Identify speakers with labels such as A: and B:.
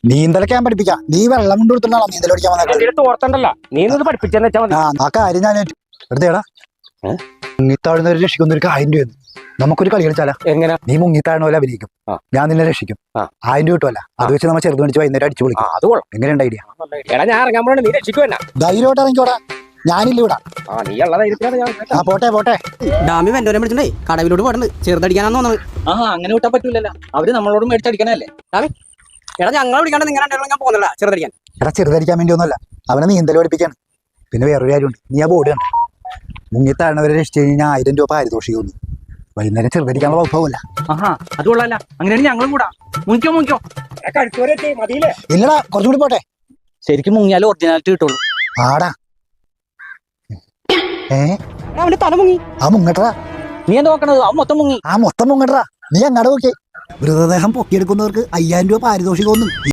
A: നീന്തലൊക്കെ ഞാൻ പഠിപ്പിക്കാം. നീ വെള്ളം കൊണ്ട് കൊടുത്തിട്ടാണോ നീന്തൽ പഠിക്കാൻ വന്നത്?
B: ഓർത്തണ്ടല്ല, നീ പഠിപ്പിച്ചെന്ന് വെച്ചാൽ മതി.
A: ആ കാര്യം ഞാൻ എടുത്തേടാ. മുങ്ങിത്താഴുന്ന രക്ഷിക്കുന്ന ഒരു 1000 രൂപ. നമുക്കൊരു കളി കളിച്ചാലാ?
B: എങ്ങനെ?
A: നീ മുങ്ങിത്താഴുന്ന പോലെ അഭിനയിക്കും, ഞാൻ നിന്നെ രക്ഷിക്കും. 1000 രൂപ കിട്ടുമല്ല, അത് വെച്ച് നമ്മൾ ചെറുത് മേടിച്ച് വൈകുന്നേരം അടിച്ചു വിളിക്കും. എങ്ങനെയുണ്ട് ഐഡിയ?
B: ഞാൻ ഇറങ്ങാൻ പോണേ, നീ രക്ഷിക്കുവല്ല.
A: ധൈര്യമായിട്ട് ഇറങ്ങിക്കോടാ, ഞാനില്ല ഇവിടെ. പോട്ടെ പോട്ടെ.
C: ഡാമി വെന്റോനെ വിളിച്ചിട്ടേ കടവിലോട്ട് പോയിട്ടുണ്ട്, ചെറുതടിക്കാനാന്ന് തോന്നുന്നത്.
D: അങ്ങനെ വിട്ടാൻ പറ്റൂലല്ലോ, അവര് നമ്മളോട് മേടിച്ചടിക്കണല്ലേ.
C: ഡാമി എടാ, ഞങ്ങളെ വിളിക്കാണ്ട് നിങ്ങൾ ഞാൻ പോകുന്നില്ല ചെറുതടിക്കാൻ.
A: എടാ ചെറുതടിക്കാൻ വേണ്ടി ഒന്നുമല്ല, അവനെ നീന്തൽ പഠിപ്പിക്കാണ്. പിന്നെ വേറൊരു കാര്യമുണ്ട്, നീ ആ ബോർഡ് കണ്ട മുങ്ങിത്താഴണവരെ രക്ഷിച്ചു കഴിഞ്ഞാൽ 1000 രൂപ പാരിതോഷികം. വൈകുന്നേരം ചെറുതടിക്കാനുള്ള വകുപ്പല്ല.
D: അത് കൊള്ളാല്ല, അങ്ങനെയാണ് ഞങ്ങളും കൂടാ. മുങ്ങിക്കോ
A: ഇല്ലടാ, കുറച്ചുകൂടി പോട്ടെ.
D: ശരിക്കും മുങ്ങിയാലും ഒറിജിനാലിറ്റി കിട്ടുള്ളൂ.
A: ആടാ
C: അവന്റെ തല മുങ്ങി.
A: ആ മുങ്ങട്ടടാ.
D: നീ എന്താ നോക്കണത്? അവൻ മൊത്തം മുങ്ങി.
A: ആ മൊത്തം മുങ്ങട്ടടാ. നീ അങ്ങാട് നോക്കിയേ. മൃതദേഹം പൊക്കിയെടുക്കുന്നവർക്ക് 5000 രൂപ പാരിതോഷികം.